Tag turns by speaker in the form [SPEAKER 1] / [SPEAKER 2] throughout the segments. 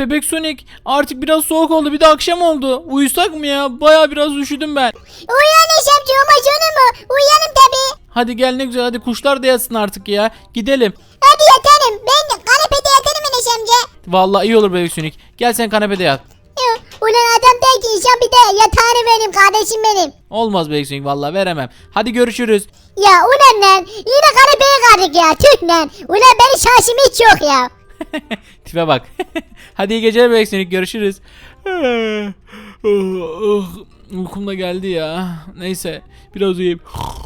[SPEAKER 1] Bebek Sonic, artık biraz soğuk oldu, bir de akşam oldu. Uyusak mı ya? Baya biraz üşüdüm ben.
[SPEAKER 2] Uyan Eşemci, olmaz olur mu? Uyanım tabii.
[SPEAKER 1] Hadi gel, ne güzel, hadi kuşlar da yatsın artık ya. Gidelim.
[SPEAKER 2] Hadi yatarım. Ben kanepede yatarım Eşemci.
[SPEAKER 1] Vallahi iyi olur Bebek Sonic. Gel sen kanepede yat.
[SPEAKER 2] Ulan adam der ki inşallah bir de yatağını benim kardeşim benim.
[SPEAKER 1] Olmaz Bebek Sonic, vallahi veremem. Hadi görüşürüz.
[SPEAKER 2] Ya ulan lan yine kanepeye kaldık ya tüh lan. Ulan benim şansım hiç yok ya.
[SPEAKER 1] Tipe bak. Hadi iyi geceler Bebek Sonic, görüşürüz. Uykum da geldi ya. Neyse, biraz uyuyayım.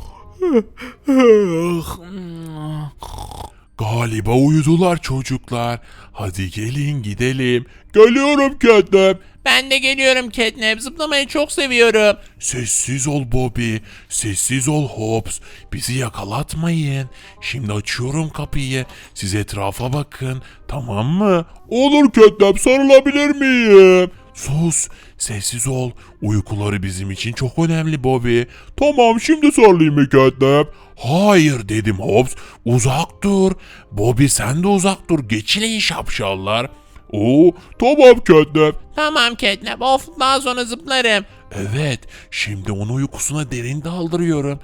[SPEAKER 3] Galiba uyudular çocuklar. Hadi gelin gidelim. Geliyorum Catnap.
[SPEAKER 4] Ben de geliyorum Catnap. Zıplamayı çok seviyorum.
[SPEAKER 3] Sessiz ol Bobby. Sessiz ol Hops. Bizi yakalatmayın. Şimdi açıyorum kapıyı. Siz etrafa bakın. Tamam mı? Olur Catnap, sarılabilir miyim? Sus. Sessiz ol. Uykuları bizim için çok önemli Bobby. Tamam, şimdi sarılayım mı Catnap? Hayır dedim Hops. Uzak dur. Bobby sen de uzak dur. Geçilin şapşallar. Oo, tamam Catnap.
[SPEAKER 4] Tamam Catnap. Of, daha sonra zıplarım.
[SPEAKER 3] Evet, şimdi onu uykusuna derin daldırıyorum.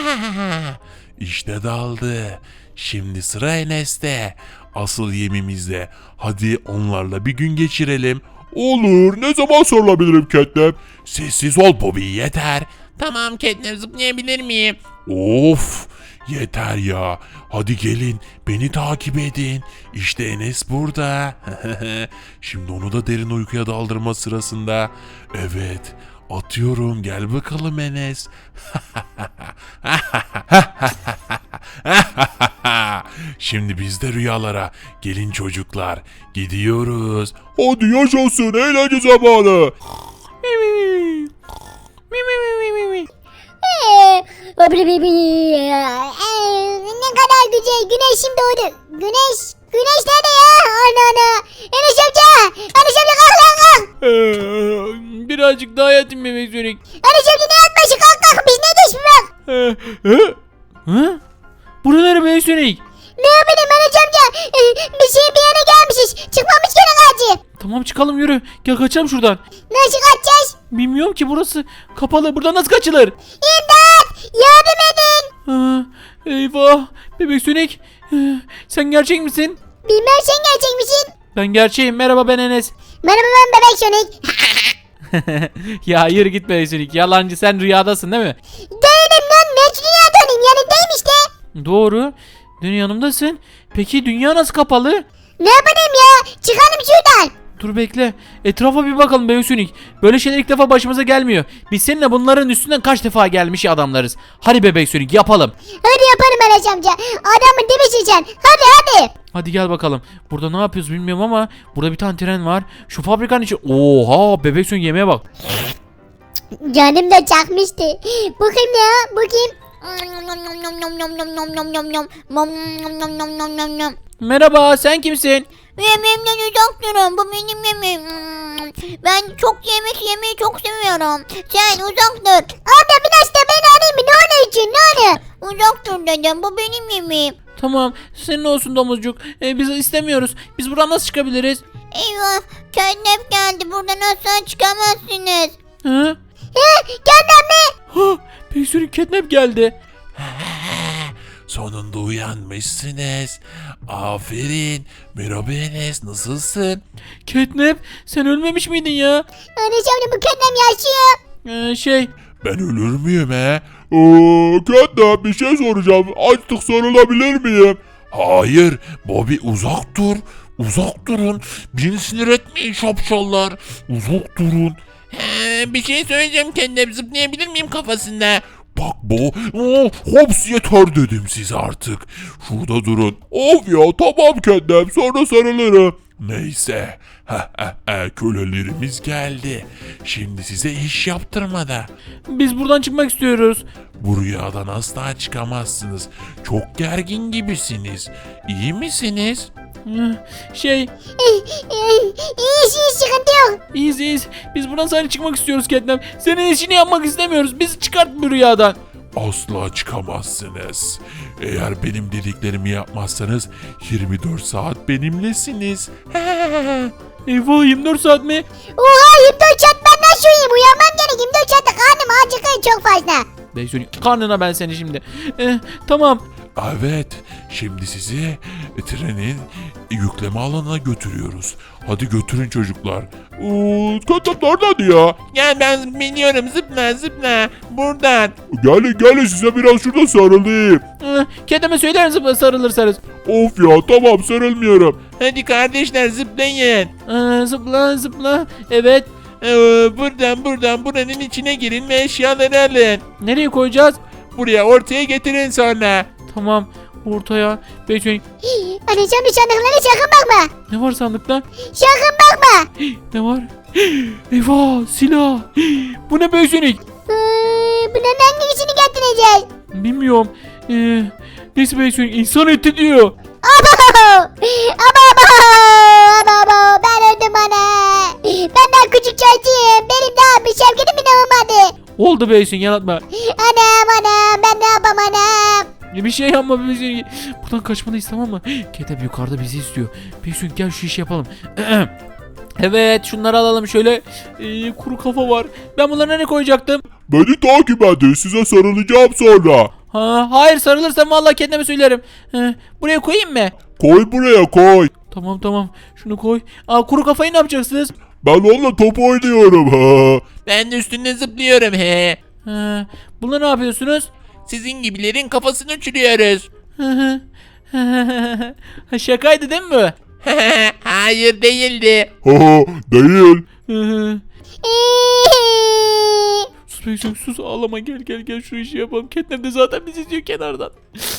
[SPEAKER 3] İşte daldı. Şimdi sıra Enes'te. Asıl yemimizde. Hadi onlarla bir gün geçirelim. Olur, ne zaman sorulabilirim Catnap? Sessiz ol Bobby, yeter.
[SPEAKER 4] Tamam Catnap, zıplayabilir miyim?
[SPEAKER 3] Of, yeter ya. Hadi gelin, beni takip edin. İşte Enes burada. Şimdi onu da derin uykuya daldırma sırasında. Evet, atıyorum, gel bakalım Enes. Şimdi biz de rüyalara. Gelin çocuklar, gidiyoruz. Hadi yaşasın, eğlence zamanı.
[SPEAKER 2] Ne kadar güzel güneşim doğdu. Güneş nerede ya? Ana. Enes amca. Enes amca kalk lan kalk.
[SPEAKER 1] Birazcık daha yatayım Bebek Sonic.
[SPEAKER 2] Enes amca ne yatması kalk biz ne diş mi bak.
[SPEAKER 1] Hı? Buraları Bebek Sonic.
[SPEAKER 2] Ne yapayım Enes amca? Bir yere gelmişiz. Çıkmamış gene acı.
[SPEAKER 1] Tamam, çıkalım, yürü. Gel kaçalım şuradan.
[SPEAKER 2] Nasıl kaçacağız?
[SPEAKER 1] Bilmiyorum ki, burası kapalı. Buradan nasıl kaçılır?
[SPEAKER 2] İmdat! Yardım edin.
[SPEAKER 1] Eyvah. Bebek Sonic. Sen gerçek misin?
[SPEAKER 2] Bilmem sen gerçek misin?
[SPEAKER 1] Ben gerçeğim. Merhaba, ben Enes.
[SPEAKER 2] Merhaba ben Bebek Sonic.
[SPEAKER 1] Ya yürü git Bebek Sonic. Yalancı, sen rüyadasın değil mi?
[SPEAKER 2] Değilim lan. Ne dünyadayım yanındayım işte.
[SPEAKER 1] Doğru. Dün yanımdasın. Peki dünya nasıl kapalı?
[SPEAKER 2] Ne yapayım ya? Çıkalım şuradan.
[SPEAKER 1] Dur bekle. Etrafa bir bakalım Bebek Sonic. Böyle şeyler ilk defa başımıza gelmiyor. Biz seninle bunların üstünden kaç defa gelmiş adamlarız. Hadi Bebek Sonic, yapalım.
[SPEAKER 2] Hadi yaparım Enes amca. Adamın dibisin sen. Hadi.
[SPEAKER 1] Hadi gel bakalım. Burada ne yapıyoruz bilmiyorum ama burada bir tane tren var. Şu fabrikanın içi. Oha, Bebek Sonic yemeğe bak.
[SPEAKER 2] Canım da çakmıştı. Bakayım ne ya? Bakayım.
[SPEAKER 1] Merhaba, sen kimsin?
[SPEAKER 2] Yemeğimden uzak durun. Bu benim yemeğim. Ben çok yemek yemeyi çok seviyorum. Sen uzak dur. Abla biraz da beni arayayım mı? Ne onun için? Ne onu? Uzak dur dedim. Bu benim yemeğim.
[SPEAKER 1] Tamam, senin olsun domuzcuk. Biz istemiyoruz. Biz buradan nasıl çıkabiliriz?
[SPEAKER 2] Eyvah. Catnap geldi. Buradan asla çıkamazsınız.
[SPEAKER 1] Hı?
[SPEAKER 2] Catnap mi?
[SPEAKER 1] Ha, Bebek Sonic, Catnap geldi.
[SPEAKER 3] Sonunda uyanmışsınız. Aferin. Merhaba Enes, nasılsın?
[SPEAKER 1] Catnap, sen ölmemiş miydin ya?
[SPEAKER 2] Enes amca bu Catnap yaşıyor.
[SPEAKER 3] Ben ölür müyüm he? Catnap, bir şey soracağım. Artık sarılabilir miyim? Hayır. Bobby, uzak dur. Uzak durun. Beni sinir etmeyin şapşallar. Uzak durun.
[SPEAKER 4] Bir şey söyleyeceğim Catnap. Zıplayabilir miyim kafasında?
[SPEAKER 3] Bak bu. Hops, yeter dedim size artık. Şurada durun. Of ya, tamam Catnap, sonra sarılırım. Neyse. Kölelerimiz geldi. Şimdi size iş yaptırmada.
[SPEAKER 1] Biz buradan çıkmak istiyoruz.
[SPEAKER 3] Bu rüyadan asla çıkamazsınız. Çok gergin gibisiniz. İyi misiniz?
[SPEAKER 2] İyi sıkıntı yok.
[SPEAKER 1] İyiyiz. Biz buradan sadece çıkmak istiyoruz Catnap. Senin işini yapmak istemiyoruz. Bizi çıkart bu rüyadan.
[SPEAKER 3] Asla çıkamazsınız. Eğer benim dediklerimi yapmazsanız 24 saat benimlesiniz.
[SPEAKER 1] Eyvah 24 saat mi?
[SPEAKER 2] Oha 24 saat ben nasıl uyuyayım? Uyanmam gerek 24 saatte karnım acıkıyor çok fazla.
[SPEAKER 1] Bebek Sonic karnına ben seni şimdi. Tamam.
[SPEAKER 3] Evet, şimdi sizi trenin yükleme alanına götürüyoruz. Hadi götürün çocuklar. Ketnap nereden ya?
[SPEAKER 4] Gel ben biliyorum zıpla zıpla. Buradan.
[SPEAKER 3] Gelin size biraz şurada sarılayım.
[SPEAKER 1] Kedime söyler misin sarılırsanız?
[SPEAKER 3] Of ya tamam sarılmıyorum.
[SPEAKER 4] Hadi kardeşler zıplayın.
[SPEAKER 1] Zıpla zıpla. Evet.
[SPEAKER 4] Buradan buranın içine girin ve eşyaları alın.
[SPEAKER 1] Nereye koyacağız?
[SPEAKER 4] Buraya ortaya getirin sonra.
[SPEAKER 1] Tamam. Ortaya. Bebek Sonic.
[SPEAKER 2] Anacığım bir sandıklara sakın bakma.
[SPEAKER 1] Ne var sandıkta?
[SPEAKER 2] Sakın bakma.
[SPEAKER 1] Ne var? Eyvah silah. Bu ne Bebek Sonic?
[SPEAKER 2] Bunların hangisini getireceğiz?
[SPEAKER 1] Bilmiyorum. Neyse Bebek Sonic insan eti diyor.
[SPEAKER 2] Abo! Abo! Ben öldüm ana. Ben daha küçük çocuğum. Benim daha bir sevgilim bile olmadı.
[SPEAKER 1] Oldu Bebek Sonic yalatma.
[SPEAKER 2] Anam ben ne yapam anam?
[SPEAKER 1] Bir şey yapma Bebek Sonic. Buradan kaçmalıyız tamam mı? Kedem yukarıda bizi istiyor. Bebek Sonic gel şu işi yapalım. Evet şunları alalım şöyle. Kuru kafa var. Ben bunları nereye koyacaktım?
[SPEAKER 3] Beni takip edin size sarılacağım sonra.
[SPEAKER 1] Hayır sarılırsam vallahi kendime söylerim. Buraya koyayım mı?
[SPEAKER 3] Koy buraya koy.
[SPEAKER 1] Tamam şunu koy. Kuru kafayı ne yapacaksınız?
[SPEAKER 3] Ben onunla top oynuyorum. Ha.
[SPEAKER 4] Ben de üstünde zıplıyorum he.
[SPEAKER 1] Bunları ne yapıyorsunuz?
[SPEAKER 4] Sizin gibilerin kafasını uçuruyoruz.
[SPEAKER 1] Şakaydı değil mi bu?
[SPEAKER 4] Hayır değildi.
[SPEAKER 3] Değil.
[SPEAKER 1] Sus Bebek Sonic sus ağlama gel şu işi yapalım. Catnap de zaten bizi izliyor kenardan.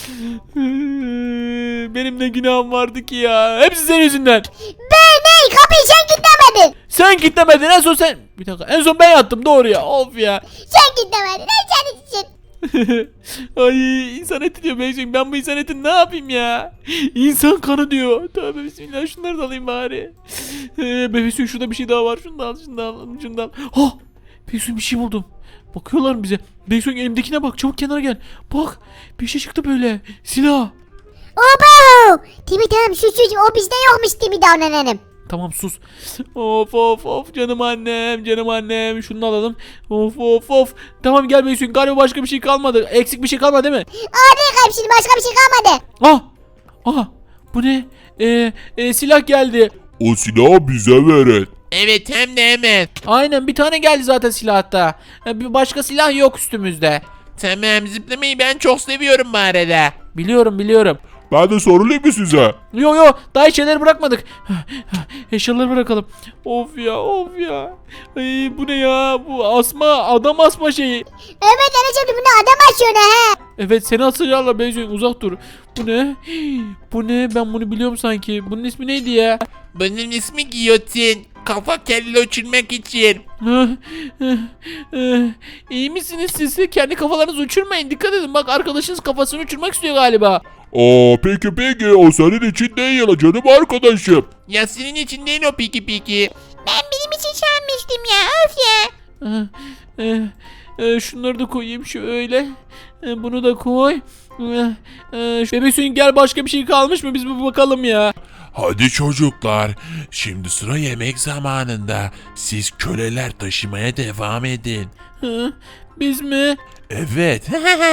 [SPEAKER 1] Benim ne günahım vardı ki ya. Hepsi senin yüzünden.
[SPEAKER 2] Ben ne? Kapıyı sen kilitlemedin.
[SPEAKER 1] Sen kilitlemedin en son sen. Bir dakika en son ben yattım doğru ya. Of ya.
[SPEAKER 2] Sen kilitlemedin. Sen için.
[SPEAKER 1] Ay insan eti diyor Bebek Sonic. Ben bu insan etini ne yapayım ya? İnsan kanı diyor. Tövbe bismillah şunları da alayım bari. Bebek Sonic şurada bir şey daha var. Şunu da al. Oh! Bebek Sonic bir şey buldum. Bakıyorlar mı bize? Bebek Sonic elimdekine bak. Çabuk kenara gel. Bak bir şey çıktı böyle. Silah.
[SPEAKER 2] Obo! Timi tamam sus o bizde yokmuş Timi davranalım.
[SPEAKER 1] Tamam sus. Of canım annem. Şunu alalım. Of. Tamam gel Bebek Sonic. Galiba başka bir şey kalmadı. Eksik bir şey kalmadı değil mi?
[SPEAKER 2] Hadi şimdi başka bir şey kalmadı.
[SPEAKER 1] Bu ne? Silah geldi.
[SPEAKER 3] O silahı bize verin.
[SPEAKER 4] Evet hem de hemen.
[SPEAKER 1] Aynen bir tane geldi zaten silah hatta. Bir başka silah yok üstümüzde.
[SPEAKER 4] Tamam zıplamayı ben çok seviyorum bu arada.
[SPEAKER 1] Biliyorum.
[SPEAKER 3] Ben de sorulayım mı size?
[SPEAKER 1] Yo daha hiç şeyleri bırakmadık. Eşyaları bırakalım. Of ya. Ay, bu ne ya? Bu adam asma şeyi.
[SPEAKER 2] Evet anacığım bunu adam açıyor ha.
[SPEAKER 1] Evet seni asacaklar Bebek Sonic uzak dur. Bu ne? Ben bunu biliyorum sanki. Bunun ismi neydi ya?
[SPEAKER 4] Bunun ismi giyotin. Kafa kelle uçurmak için.
[SPEAKER 1] İyi misiniz siz? Kendi kafalarınızı uçurmayın. Dikkat edin bak arkadaşınız kafasını uçurmak istiyor galiba.
[SPEAKER 3] Peki o senin için değil canım arkadaşım.
[SPEAKER 4] Ya senin için değil o piki.
[SPEAKER 2] Ben benim için sanmıştım ya öf ya.
[SPEAKER 1] Şunları da koyayım şöyle. Bunu da koy. Bebek Sonic gel başka bir şey kalmış mı? Biz bir bakalım ya.
[SPEAKER 3] Hadi çocuklar, şimdi sıra yemek zamanında. Siz köleler taşımaya devam edin.
[SPEAKER 1] Biz mi?
[SPEAKER 3] Evet.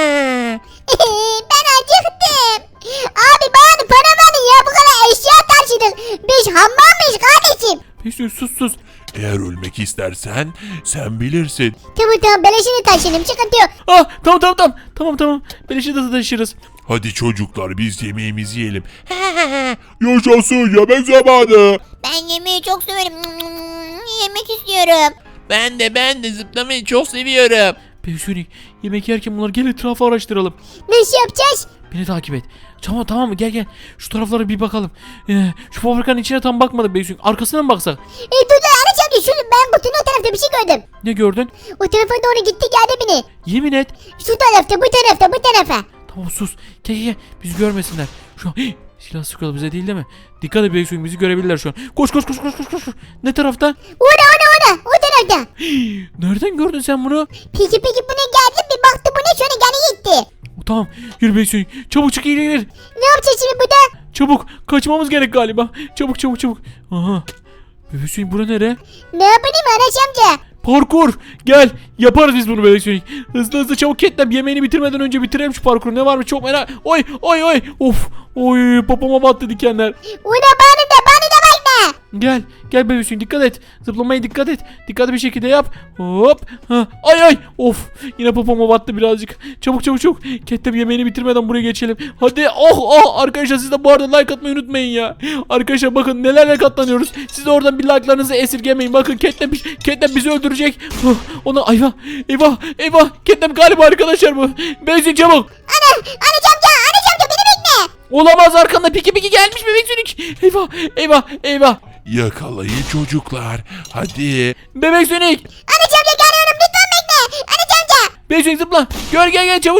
[SPEAKER 2] Ben acıktım. Abi bana para verin ya bu kadar eşya taşıdık. Biz hammal mıyız kardeşim?
[SPEAKER 1] Bebek Sonic sus.
[SPEAKER 3] Eğer ölmek istersen sen bilirsin.
[SPEAKER 2] Tamam beleşini taşıyalım sıkıntı yok.
[SPEAKER 1] Tamam. Beleşe de taşırız.
[SPEAKER 3] Hadi çocuklar biz yemeğimizi yiyelim. Yaşasın yemek zamanı.
[SPEAKER 2] Ben yemeği çok severim. Yemek istiyorum.
[SPEAKER 4] Ben de zıplamayı çok seviyorum.
[SPEAKER 1] Bebek Sonic yemek yerken bunları gel etrafı araştıralım.
[SPEAKER 2] Nasıl yapacağız?
[SPEAKER 1] Beni takip et. Tamam mı? Gel. Şu taraflara bir bakalım. Şu fabrikanın içine tam bakmadık Bebek Sonic. Arkasına mı baksak?
[SPEAKER 2] Dur anacığım şunu ben kutunun o tarafta bir şey gördüm.
[SPEAKER 1] Ne gördün?
[SPEAKER 2] O tarafa doğru gitti geldi beni.
[SPEAKER 1] Yemin et.
[SPEAKER 2] Şu tarafta bu tarafa.
[SPEAKER 1] Tamam sus. Gel. Bizi görmesinler. Şu an silah sıkıyorlar bize değil mi? Dikkat et Bebek Sonic bizi görebilirler şu an. Koş. Ne taraftan?
[SPEAKER 2] Orada o tarafta.
[SPEAKER 1] Nereden gördün sen bunu?
[SPEAKER 2] Peki bu ne geldi bir baktı bu ne şöyle gene gitti.
[SPEAKER 1] Tamam yürü Bebek Sonic. Çabuk çık gir.
[SPEAKER 2] Ne yapacağız şimdi burada?
[SPEAKER 1] Çabuk kaçmamız gerek galiba. Çabuk. Aha. Bebek Sonic bura nere?
[SPEAKER 2] Ne yapayım Anaç amca?
[SPEAKER 1] Parkur. Gel. Yaparız biz bunu Bebek Sonic. Hızlı hızlı çabuk Catnap yemeğini bitirmeden önce bitirelim şu parkuru. Ne var mı çok merak. Oy oy oy. Of. Oy popoma battı dikenler.
[SPEAKER 2] Una bana da bakma.
[SPEAKER 1] Gel. Gel Bebek Sonic dikkat et. Zıplamaya dikkat et. Dikkatli bir şekilde yap. Hop. Ha. Ay ay. Of. Yine popoma battı birazcık. Çabuk çabuk çabuk. Catnap yemeğini bitirmeden buraya geçelim. Hadi. Oh oh. Arkadaşlar siz de bu arada like atmayı unutmayın ya. Arkadaşlar bakın nelerle katlanıyoruz. Siz de oradan bir like'larınızı esirgemeyin. Bakın Catnap bizi öldürecek. Oh, ona eyvah. Eyvah. Eyvah. Catnap galiba arkadaşlar bu. Bebek Sonic çabuk.
[SPEAKER 2] Anaç amca beni bekle.
[SPEAKER 1] Olamaz arkanda piki gelmiş Bebek Sonic. Eyvah. Eyvah. Eyvah.
[SPEAKER 3] Yakalayın çocuklar. Hadi.
[SPEAKER 1] Bebek Sonic.
[SPEAKER 2] Anaç amca geliyorum lütfen bekle. Anaç amca.
[SPEAKER 1] Bebek Sonic zıpla. Gel çabuk.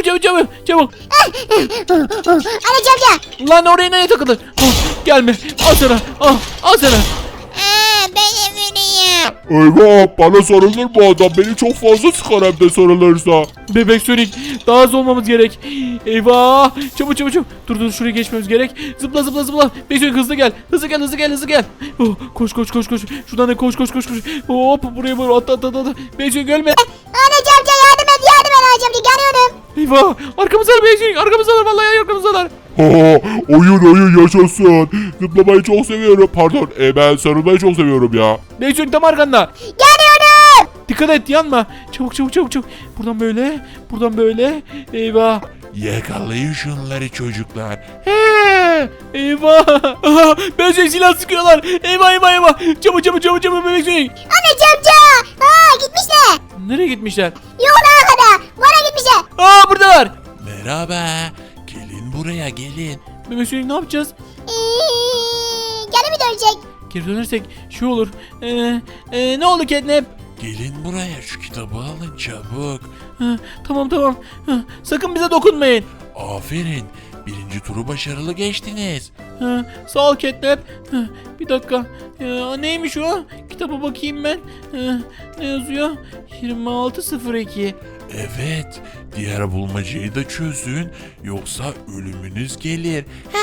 [SPEAKER 2] Anaç amca.
[SPEAKER 1] Lan oraya neye takıldın? Oh, gelme. Al sana. Al sana.
[SPEAKER 2] Ben emiriyim.
[SPEAKER 3] Eyvah bana sarılır bu adam. Beni çok fazla sıkar hem de sarılırsa.
[SPEAKER 1] Bebek Sonic daha hızlı olmamız gerek. Eyvah. Çabuk. Dur şuraya geçmemiz gerek. Zıpla. Bebek Sonic hızlı gel. Hızlı gel. Oh, koş. Şuradan da koş. Hop buraya at. Bebek Sonic ölme.
[SPEAKER 2] Anaç amca yardım et Anaç amca geliyorum.
[SPEAKER 1] Eyvah. Arkamızdalar Bebek Sonic. Arkamızdalar vallahi arkamızdalar.
[SPEAKER 3] Oyun yaşasın. Zıplamayı çok seviyorum. Pardon ben sarılmayı çok seviyorum ya.
[SPEAKER 1] Bebek Sonic tam arkanda.
[SPEAKER 2] Geliyorum.
[SPEAKER 1] Dikkat et yanma. Çabuk. Buradan böyle. Eyvah.
[SPEAKER 3] Yakalayın şunları çocuklar.
[SPEAKER 1] Eyvah. Bebek Sonic silah sıkıyorlar. Eyvah. Çabuk Bebek Sonic.
[SPEAKER 2] Anaç amca. Gitmişler.
[SPEAKER 1] Nereye gitmişler?
[SPEAKER 2] Yola kadar. Bana gitmişler.
[SPEAKER 1] Buradalar.
[SPEAKER 3] Merhaba. Gelin buraya gelin.
[SPEAKER 1] Bebek Sonic ne yapacağız?
[SPEAKER 2] Geri mi dönecek?
[SPEAKER 1] Geri dönersek şey olur. Ne oldu Catnap?
[SPEAKER 3] Gelin buraya şu kitabı alın çabuk.
[SPEAKER 1] Tamam. Sakın bize dokunmayın.
[SPEAKER 3] Aferin. Birinci turu başarılı geçtiniz.
[SPEAKER 1] Sağ ol Catnap. Bir dakika. Neymiş o? Kitaba bakayım ben. Ne yazıyor? 2602.
[SPEAKER 3] Evet. Diğer bulmacayı da çözün. Yoksa ölümünüz gelir.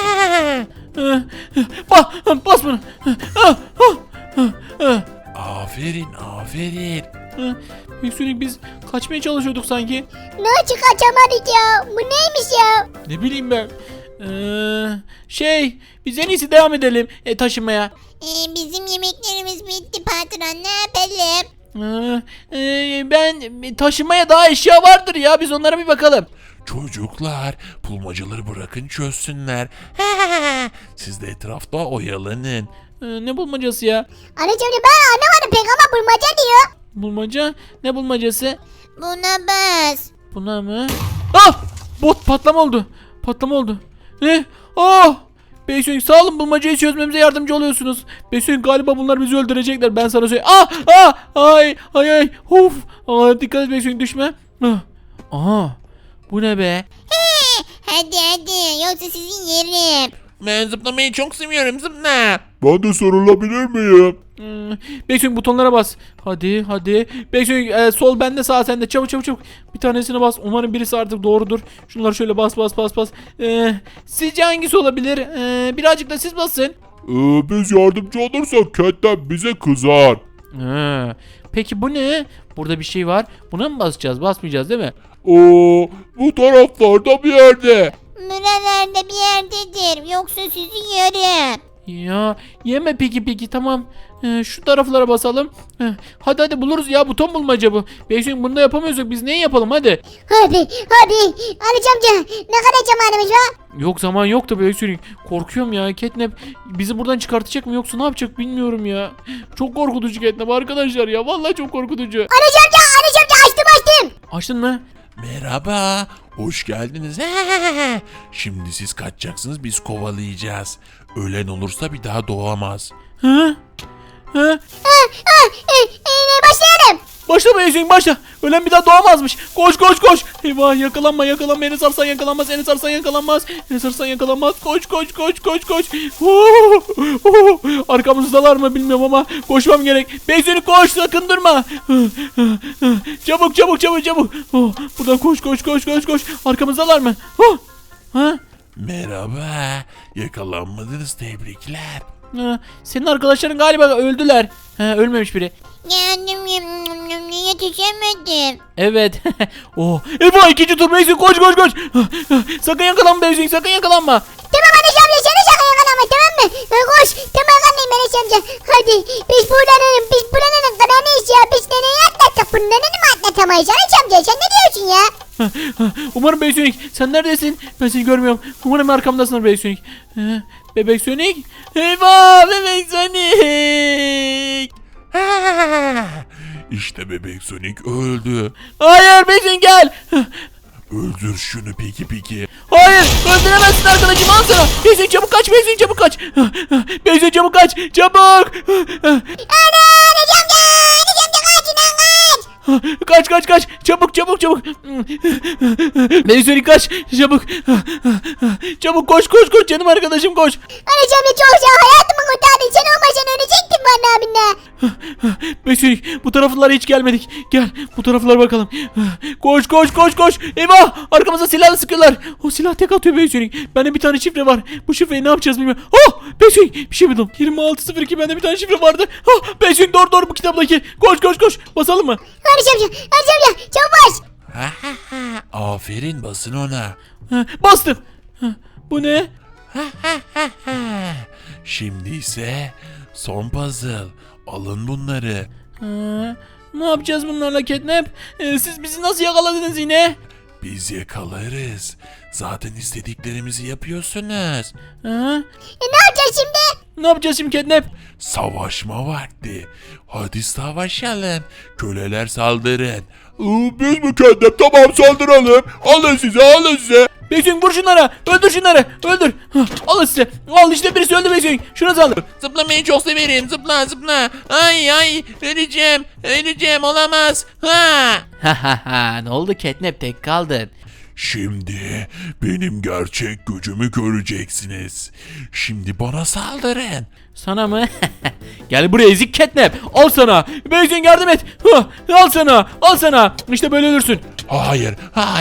[SPEAKER 1] Bas bunu.
[SPEAKER 3] Aferin.
[SPEAKER 1] Bebek Sonic biz kaçmaya çalışıyorduk sanki.
[SPEAKER 2] Nasıl kaçamadık ya? Bu neymiş ya?
[SPEAKER 1] Ne bileyim ben. Biz en iyisi devam edelim taşımaya.
[SPEAKER 2] Bizim yemeklerimiz bitti patron ne yapalım?
[SPEAKER 1] Ben taşımaya daha eşya vardır ya biz onlara bir bakalım.
[SPEAKER 3] Çocuklar bulmacaları bırakın çözsünler. Siz de etrafta oyalanın.
[SPEAKER 1] Ne bulmacası ya?
[SPEAKER 2] Anaç amca ben anlamadım pek ama bulmaca diyor.
[SPEAKER 1] Bulmaca? Ne bulmacası?
[SPEAKER 2] Buna bas.
[SPEAKER 1] Buna mı? Bot patlama oldu. Ne? Bebek Sonic sağ olun bulmacayı çözmemize yardımcı oluyorsunuz. Bebek Sonic galiba bunlar bizi öldürecekler ben sana söyleyeyim. Ay. Of. Dikkat et Bebek Sonic düşme. Bu ne be?
[SPEAKER 2] Hadi yoksa sizin yerim.
[SPEAKER 4] Ben zıplamayı çok seviyorum zıpla.
[SPEAKER 3] Ben de sarılabilir miyim?
[SPEAKER 1] Bebek Sonic butonlara bas. Hadi. Bebek Sonic sol bende sağ sende. Çabuk. Bir tanesine bas. Umarım birisi artık doğrudur. Şunları şöyle bas. Sizce hangisi olabilir? Birazcık da siz basın.
[SPEAKER 3] Biz yardımcı olursak Catnap bize kızar.
[SPEAKER 1] Peki bu ne? Burada bir şey var. Buna mı basacağız? Basmayacağız değil mi?
[SPEAKER 3] Bu taraflarda bir yerde.
[SPEAKER 2] Buralarda bir yerdedir. Yoksa sizi yerim.
[SPEAKER 1] Ya yeme peki tamam. Şu taraflara basalım. Hadi buluruz ya buton bulmaca bu. Bebek Sonic bunu da yapamıyorsak biz neyi yapalım hadi.
[SPEAKER 2] Hadi. Anaç amca ne kadar zamanımız var?
[SPEAKER 1] Yok zaman yok da Bebek Sonic. Korkuyorum ya Catnap bizi buradan çıkartacak mı yoksa ne yapacak bilmiyorum ya. Çok korkutucu Catnap arkadaşlar ya vallahi çok korkutucu.
[SPEAKER 2] Anaç amca açtım.
[SPEAKER 1] Açtın mı?
[SPEAKER 3] Merhaba. Hoş geldiniz. Şimdi siz kaçacaksınız biz kovalayacağız. Ölen olursa bir daha doğamaz.
[SPEAKER 2] Başlayalım.
[SPEAKER 1] Başla Bebek Sonic başla. Ölen bir daha doğamazmış. Koş. Eyvah yakalanma. Enes Arslan yakalanmaz. Koş. Arkamızdalar mı bilmiyorum ama koşmam gerek. Bebek Sonic koş sakın durma. Çabuk. Buradan koş. Arkamızdalar mı?
[SPEAKER 3] Merhaba. Yakalanmadınız tebrikler.
[SPEAKER 1] Senin arkadaşların galiba öldüler. Ölmemiş biri.
[SPEAKER 2] Geldim yetişemedim.
[SPEAKER 1] Evet. Oh. Eyvah, ikinci tur Beyzing, koş koş koş. Sakın yakalanma Beyzing, sakın yakalanma.
[SPEAKER 2] Tamam Enes amca seni sakın yakalama tamam mı? Koş tamam anlayayım Enes amca. Hadi biz buranın kanalıyız ya. Biz nereye atlattık bunları mı atlatamayız Enes amca sen ne diyorsun ya?
[SPEAKER 1] Umarım Bebek Sonic, sen neredesin? Ben seni görmüyorum. Umarım arkamdasın Bebek Sonic. Bebek Sonic. Eyvah, Bebek Sonic.
[SPEAKER 3] İşte bebek Sonic öldü.
[SPEAKER 1] Hayır Bebek Sonic, gel.
[SPEAKER 3] Öldür şunu peki.
[SPEAKER 1] Hayır, öldüremezsin arkadaşım, al sana. Bebek Sonic çabuk kaç, Bebek Sonic çabuk kaç. Bebek Sonic çabuk kaç, çabuk.
[SPEAKER 2] Ana Enes amca kaç lan kaç.
[SPEAKER 1] Kaç çabuk. Bebek Sonic kaç çabuk. Çabuk koş canım arkadaşım, koş.
[SPEAKER 2] Enes amca çok sağ hayatımı kurtardın. Sen olmasan ölecektin bana abinle.
[SPEAKER 1] Bebek Sonic, bu taraflara hiç gelmedik. Gel bu taraflara bakalım. Koş. Eyvah, arkamıza silahla sıkıyorlar. O silah tek atıyor Bebek Sonic. Bende bir tane şifre var. Bu şifreyi ne yapacağız bilmiyorum. Oh, Bebek Sonic bir şey buldum. 2602, bende bir tane şifre vardı. Oh, Bebek Sonic doğru bu kitaptaki. Koş. Basalım mı?
[SPEAKER 2] Enes amca çabuk bas.
[SPEAKER 3] Aferin, basın ona.
[SPEAKER 1] Bastım. Bu ne?
[SPEAKER 3] Şimdi ise son puzzle. Alın bunları.
[SPEAKER 1] Ne yapacağız bunlarla Catnap? Siz bizi nasıl yakaladınız yine?
[SPEAKER 3] Biz yakalarız. Zaten istediklerimizi yapıyorsunuz.
[SPEAKER 2] Ne yapacağız şimdi?
[SPEAKER 1] Ne yapacağız şimdi Catnap?
[SPEAKER 3] Savaşma vakti. Hadi savaşalım. Köleler saldırın. Biz mi kendim? Tamam, saldıralım. Alın size.
[SPEAKER 1] Beyzing, vur şunlara. Öldür şunları. Öldür. Al size. Al işte, birisi öldü Beyzing. Şunu saldır.
[SPEAKER 4] Zıplamayı çok severim. Zıpla. Ay öleceğim olamaz.
[SPEAKER 1] Ne oldu Catnap, tek kaldın.
[SPEAKER 3] Şimdi benim gerçek gücümü göreceksiniz. Şimdi bana saldırın.
[SPEAKER 1] Sana mı? Gel buraya ezik Catnap. Al sana. Beyzing, yardım et. Al sana. İşte böyle ölürsün.
[SPEAKER 3] Hayır.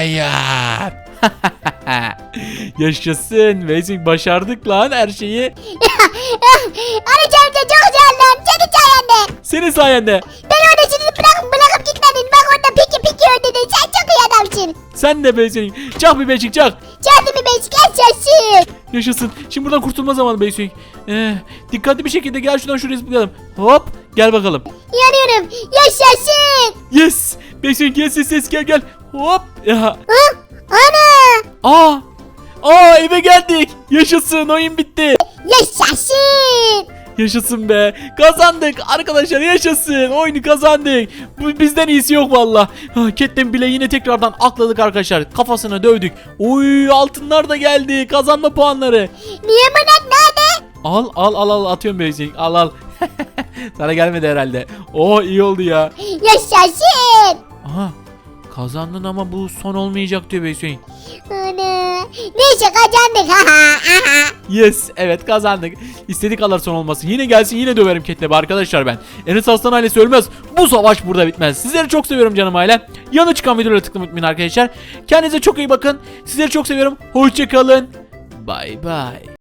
[SPEAKER 1] Yaşasın. Beyzing, başardık lan her şeyi.
[SPEAKER 2] Enes amca çok sağ ol lan. Senin sayende.
[SPEAKER 1] Senin sayende.
[SPEAKER 2] Ben orada sizi bırakıp gitmedin. Bak orada piki öldürdün. Sen çok iyi adamsın.
[SPEAKER 1] Sen de Beyzing. Çak bir Beyzing, çak.
[SPEAKER 2] Kendimi yaşasın.
[SPEAKER 1] Yaşasın. Şimdi buradan kurtulma zamanı Beyzing. Dikkatli bir şekilde gel, şuraya zıplayalım. Hop. Gel bakalım.
[SPEAKER 2] Yanıyorum. Yaşasın.
[SPEAKER 1] Yes. Beyzing, yes, gel. Hop. Ya.
[SPEAKER 2] Ana.
[SPEAKER 1] Eve geldik. Yaşasın, oyun bitti.
[SPEAKER 2] Yaşasın.
[SPEAKER 1] Yaşasın be. Kazandık arkadaşlar, yaşasın. Oyunu kazandık. Bu bizden iyisi yok valla. Catnap bile yine tekrardan akladık arkadaşlar. Kafasına dövdük. Oy, altınlar da geldi. Kazanma puanları.
[SPEAKER 2] Niye bana nerede?
[SPEAKER 1] Al atıyorum Beyzing. Al. Sana gelmedi herhalde. Oh, iyi oldu ya.
[SPEAKER 2] Yaşasın.
[SPEAKER 1] Aha. Kazandın ama bu son olmayacak diyor Beyzing.
[SPEAKER 2] Ana. Neyse kazandık.
[SPEAKER 1] Yes, evet kazandık. İstedik kadar son olmasın. Yine gelsin, yine döverim Catnap'i arkadaşlar ben. Enes Aslan ailesi ölmez. Bu savaş burada bitmez. Sizleri çok seviyorum canım ailem. Yanı çıkan videolara tıklamayı unutmayın arkadaşlar. Kendinize çok iyi bakın. Sizleri çok seviyorum. Hoşça kalın. Bye bye.